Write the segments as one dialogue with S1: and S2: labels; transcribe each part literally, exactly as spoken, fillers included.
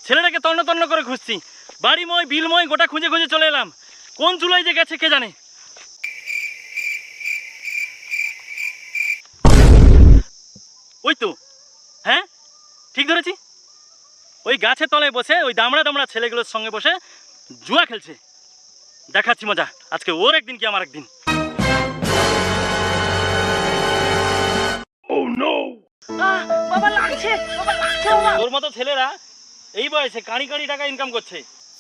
S1: ছেলেটাকে তন্ন তন্ন করে খুঁজছি, বাড়িময় বিলময় গোটা খুঁজে খুঁজে চলে এলাম, কোন চুলায় যে গেছে কে জানে। ওই তো, হ্যাঁ ঠিক ধরেছি, ওই গাছের তলায় বসে ওই দামড়া দামড়া ছেলেগুলোর সঙ্গে বসে জুয়া খেলছে। দেখাচ্ছি মজা, আজকে ওর একদিন কি আমার একদিন।
S2: বাবা লাগছে, বাবা লাগছে বাবা।
S1: তোর মতো ছেলেরা এই বয়সে কাঁড়ি কাঁড়ি টাকা ইনকাম করছে।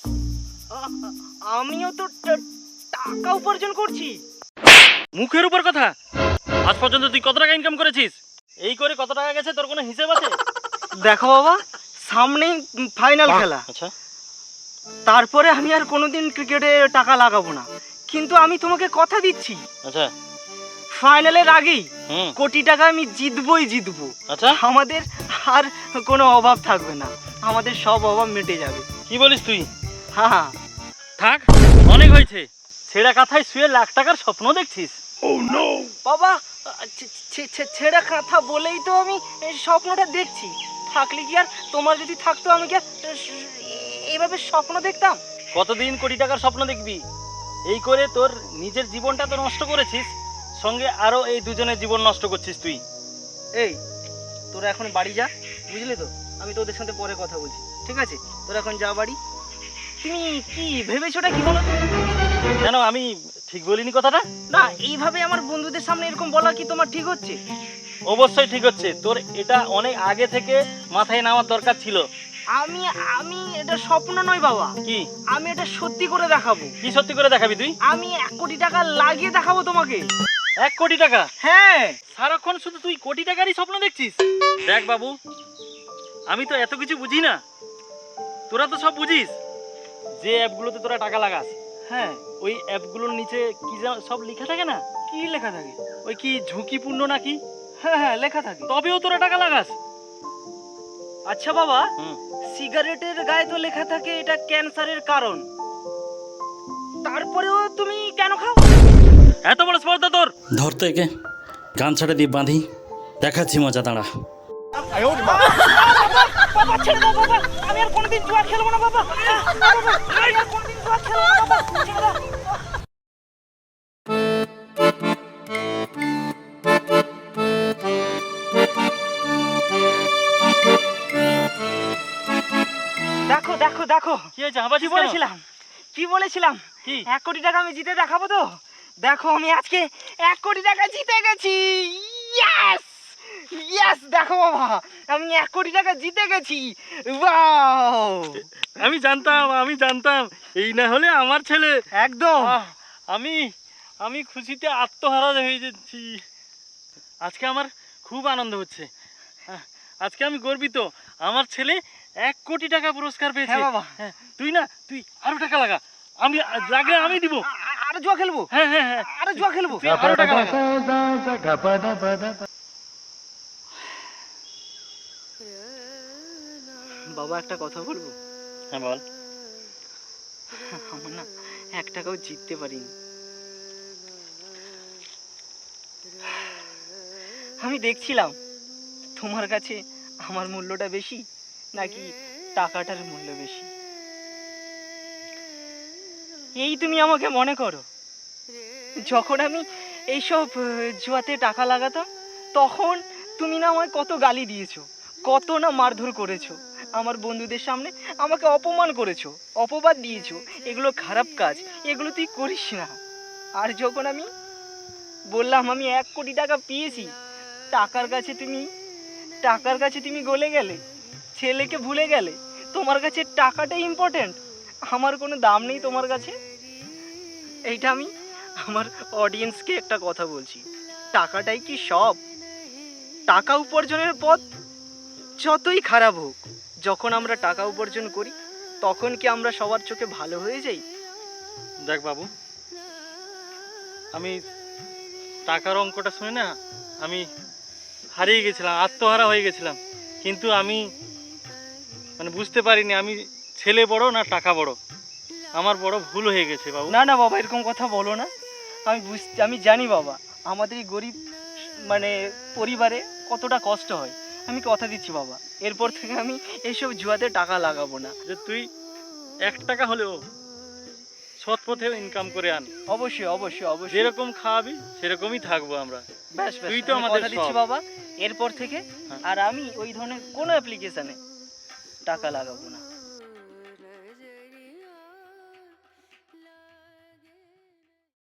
S2: আমিও তো টাকা উপার্জন করছি।
S1: মুখের উপর কথা, আজ পর্যন্ত তুই কত টাকা ইনকাম করেছিস? এই করে কত টাকা গেছে তোর কোনো হিসেব আছে?
S2: দেখো বাবা, সামনেই ফাইনাল খেলা।
S1: আচ্ছা,
S2: তারপরে আমি আর কোনোদিন ক্রিকেটে টাকা লাগাবো না, কিন্তু আমি তোমাকে কথা দিচ্ছি
S1: আচ্ছা,
S2: ফাইনালের আগেই
S1: হুম,
S2: কোটি টাকা আমি জিতবই জিতবো।
S1: আচ্ছা,
S2: আমাদের আর কোনো অভাব থাকবে না, আমাদের সব অভাব মিটে যাবে।
S1: কি বলিস তুই?
S2: হ্যাঁ হ্যাঁ,
S1: থাক, অনেক হয়েছে। ছেঁড়া কাঁথায় শুয়ে লাখ টাকার স্বপ্ন দেখছিস?
S2: বাবা ছে- ছে- ছে- ছেঁড়া কথা বলেই তো আমি এই স্বপ্নটা দেখছি। থাকলে কি আর, তোমার যদি থাকতো আমি কি আর এইভাবে স্বপ্ন দেখতাম?
S1: কতদিন কোটি টাকার স্বপ্ন দেখবি? এই করে তোর নিজের জীবনটা তো নষ্ট করেছিস, সঙ্গে আরো এই দুজনের জীবন নষ্ট করছিস তুই।
S2: এই তোরা এখন বাড়ি যা, বুঝলি তো? আমি তোদের সাথে পরে কথা বলছি, ঠিক আছে? তোরা এখন যা বাড়ি। তুমি কি ভেবেছোটা কি বলো?
S1: কেন, আমি ঠিক বলিনি কথাটা?
S2: না, এইভাবে আমার বন্ধুদের সামনে এরকম বলা কি তোমার ঠিক হচ্ছে?
S1: অবশ্যই ঠিক হচ্ছে, তোর এটা অনেক আগে থেকে মাথায় নেওয়ার দরকার ছিল।
S2: আমি আমি এটা স্বপ্ন নয় বাবা,
S1: কি?
S2: আমি এটা সত্যি করে দেখাবো।
S1: কি সত্যি করে দেখাবি তুই?
S2: আমি এক কোটি টাকা লাগিয়ে দেখাবো তোমাকে।
S1: এক কোটি টাকা?
S2: হ্যাঁ।
S1: সারাক্ষণ শুধু তুই কোটি টাকারই স্বপ্ন দেখছিস? দেখ বাবু, আমি তো এত কিছু বুঝি না, তোরা তো সব বুঝিস। যে অ্যাপগুলোতে তোরা টাকা লাগাস,
S2: হ্যাঁ,
S1: ওই অ্যাপগুলোর নিচে কি যেন সব লেখা থাকে না?
S2: কি লেখা থাকে?
S1: ওই কি ঝুঁকিপূর্ণ নাকি?
S2: হ্যাঁ হ্যাঁ, লেখা থাকে।
S1: তবেও তোরা টাকা লাগাস?
S2: আচ্ছা বাবা,
S1: হুম,
S2: সিগারেটের গায়ে তো লেখা থাকে এটা ক্যান্সারের কারণ, তারপরেও তুমি কেন খাও?
S1: এত বড় স্পর্ধা তোর? ধরতে একে গান ছাড়ে দিয়ে বাঁধি, দেখাচ্ছি মজা, দাঁড়া।
S2: বাবা ছেড়ে দাও বাবা, আমি আর কোনোদিন জুয়া খেলবো না বাবা। বাবা, আমি আর কোনোদিন জুয়া খেলবো না বাবা, ছেড়ে দাও। দেখো দেখো দেখো,
S1: কি হয়েছে, হাবাজি
S2: কি বলেছিলাম কি বলেছিলাম
S1: কি?
S2: এক কোটি টাকা আমি জিতে দেখাবো তো। দেখো আমি আজকে এক কোটি টাকা জিতে গেছি। ইয়েস ইয়েস, দেখো বাবা, আমি এক কোটি টাকা জিতে গেছি। ওয়াও,
S1: আমি জানতাম, আমি জানতাম এই না হলে আমার ছেলে।
S2: একদম।
S1: আহ, আমি আমি খুশিতে আত্মহারা হয়ে যাচ্ছি। আজকে আমার খুব আনন্দ হচ্ছে, আহ, আজকে আমি গর্বিত, আমার ছেলে এক কোটি টাকা পুরস্কার পেয়েছে।
S2: হ্যাঁ বাবা।
S1: হ্যাঁ, তুই না, তুই আরো টাকা লাগা, আমি লাগলে আমি দিব।
S2: আ- আ- আরো জুয়া খেলবো,
S1: হ্যাঁ হ্যাঁ হ্যাঁ,
S2: আরো জুয়া খেলবো।
S1: তুই আরো টাকা লাগা।
S2: বাবা একটা কথা বলবো?
S1: হ্যাঁ বল।
S2: আমার না এক টাকাও জিততে পারিনি। আমি দেখছিলাম তোমার কাছে আমার মূল্যটা বেশি নাকি টাকাটার মূল্য বেশি। এই তুমি আমাকে মনে করো, যখন আমি এইসব আহ, জুয়াতে টাকা লাগাতাম, তখন তুমি না আমায় কত গালি দিয়েছো, কত না মারধর করেছো, আমার বন্ধুদের সামনে আমাকে অপমান করেছো, অপবাদ দিয়েছো, এগুলো খারাপ কাজ, এগুলো তুই করিস না। আর যখন আমি বললাম আমি এক কোটি টাকা পেয়েছি, টাকার কাছে তুমি টাকার কাছে তুমি গলে গেলে, ছেলেকে ভুলে গেলে। তোমার কাছে টাকাটাই ইম্পর্ট্যান্ট, আমার কোনো দাম নেই তোমার কাছে। এইটা আমি আমার অডিয়েন্সকে একটা কথা বলছি, টাকাটাই কি সব? টাকা উপার্জনের পথ যতই খারাপ হোক, যখন আমরা টাকা উপার্জন করি তখন কি আমরা সবার চোখে ভালো হয়ে যাই?
S1: দেখ বাবু, আমি টাকার অঙ্কটা শুনে না আমি হারিয়ে গেছিলাম, আত্মহারা হয়ে গেছিলাম, কিন্তু আমি মানে বুঝতে পারিনি আমি ছেলে বড় না টাকা বড়। আমার বড় ভুল হয়ে গেছে বাবু।
S2: না না বাবা, এরকম কথা বলো না। আমি বুঝতে আমি জানি বাবা, আমাদের এই গরিব মানে পরিবারে কতটা কষ্ট হয়। আমি কথা দিচ্ছি বাবা, এরপর থেকে আমি এইসব জুয়াতে টাকা লাগাবো না।
S1: যে তুই এক টাকা হলেও সৎ পথে ইনকাম করে আন,
S2: অবশ্যই অবশ্যই অবশ্যই।
S1: যেরকম খাওয়াবি সেরকমই থাকবো আমরা।
S2: ব্যাস ব্যাস,
S1: তুই তো
S2: আমি
S1: আমাদের
S2: কথা দিচ্ছি
S1: সব।
S2: বাবা, এরপর থেকে
S1: হ্যাঁ।
S2: আর আমি ওই ধরনের কোনো অ্যাপ্লিকেশানে টাকা লাগাবো না।